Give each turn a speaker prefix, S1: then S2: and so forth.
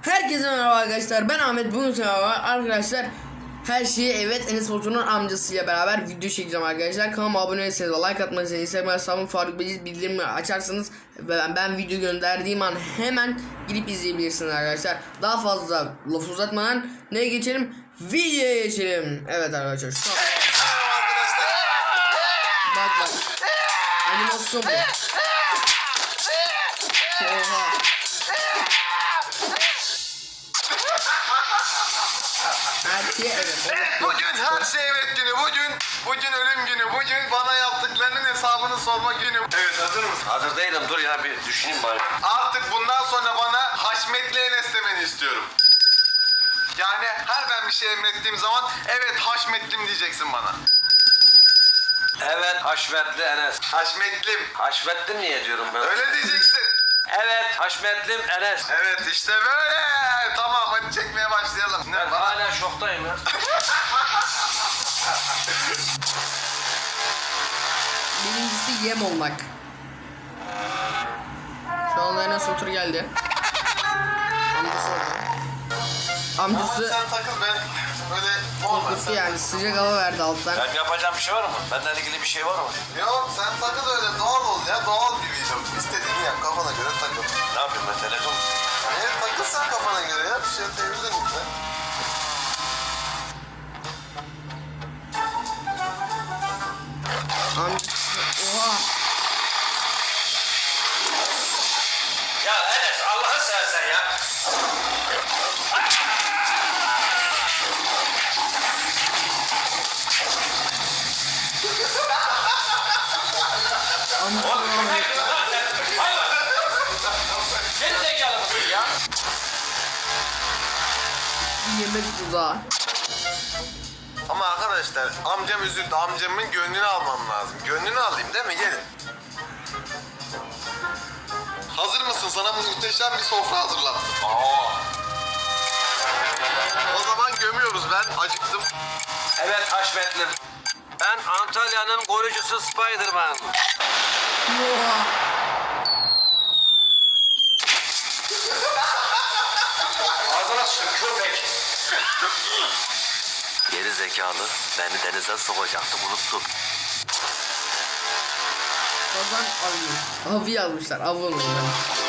S1: Herkese merhaba arkadaşlar, ben Ahmet. Bugün sizlerle arkadaşlar her şeyi Enes Batur'un amcasıyla beraber video çekeceğim arkadaşlar. Kanalıma abone değilseniz like atmayı, Instagram hesabım Faruk Beciz, bildirimleri açarsanız ben video gönderdiğim an hemen girip izleyebilirsiniz arkadaşlar. Daha fazla laf uzatmadan neye geçelim? Videoya geçelim. Evet arkadaşlar, şu an bak animasyon bu. Oha.
S2: Bugün her şey evet günü, bugün ölüm günü, bugün bana yaptıklarının hesabını sorma günü. Evet, hazır mısın?
S3: Hazır değilim, dur ya bir düşüneyim bari.
S2: Artık bundan sonra bana Haşmetli Enes demeni istiyorum. Yani her ben bir şey emrettiğim zaman evet Haşmetlim diyeceksin bana.
S3: Evet, Haşmetli Enes.
S2: Haşmetlim.
S3: Haşmetli niye diyorum ben?
S2: Öyle diyeceksin.
S3: Evet, Haşmetlim Enes.
S2: Evet, işte böyle. Tamam, hadi çekmeye başlayalım.
S3: Ben hala şoktayım ya.
S1: Birincisi yem olmak. Şu anda Enes Batur geldi. Amcası orada. Amcası
S2: Sen takıl, ben böyle
S1: korkuttu yani, sıcak hava verdi alttan.
S3: Ben yapacağım bir şey var mı? Benden ilgili bir şey var mı?
S2: Yok, sen takıl öyle, doğal ol ya, doğal bir video. İstediğini yap, kafana göre takıl.
S3: Ne yapayım ben, televizyon mu?
S2: Evet, takıl sen kafana göre ya, bir şey televizyon izle.
S1: Amcası, oha.
S3: Ya Enes, Allah'ı seversen ya.
S1: Amcası
S3: Oğlum köpek mi lan sen? Hayvan. Geri zekalı mısın ya?
S1: yemek tuzağı.
S2: Ama arkadaşlar, amcam üzüldü, amcamın gönlünü almam lazım. Gönlünü alayım değil mi? Gelin. Hazır mısın? Sana muhteşem bir sofra hazırlattım. O zaman gömüyoruz, ben acıktım.
S3: Evet Haşmetlim. Ben Antalya'nın koruyucusu Spiderman.
S1: Oha.
S3: Ağzına sıçtım köpek. Geri zekalı beni denize sokacaktı, unuttum.
S1: Kazan avı. Avı yazmışlar. Avı olmuyor.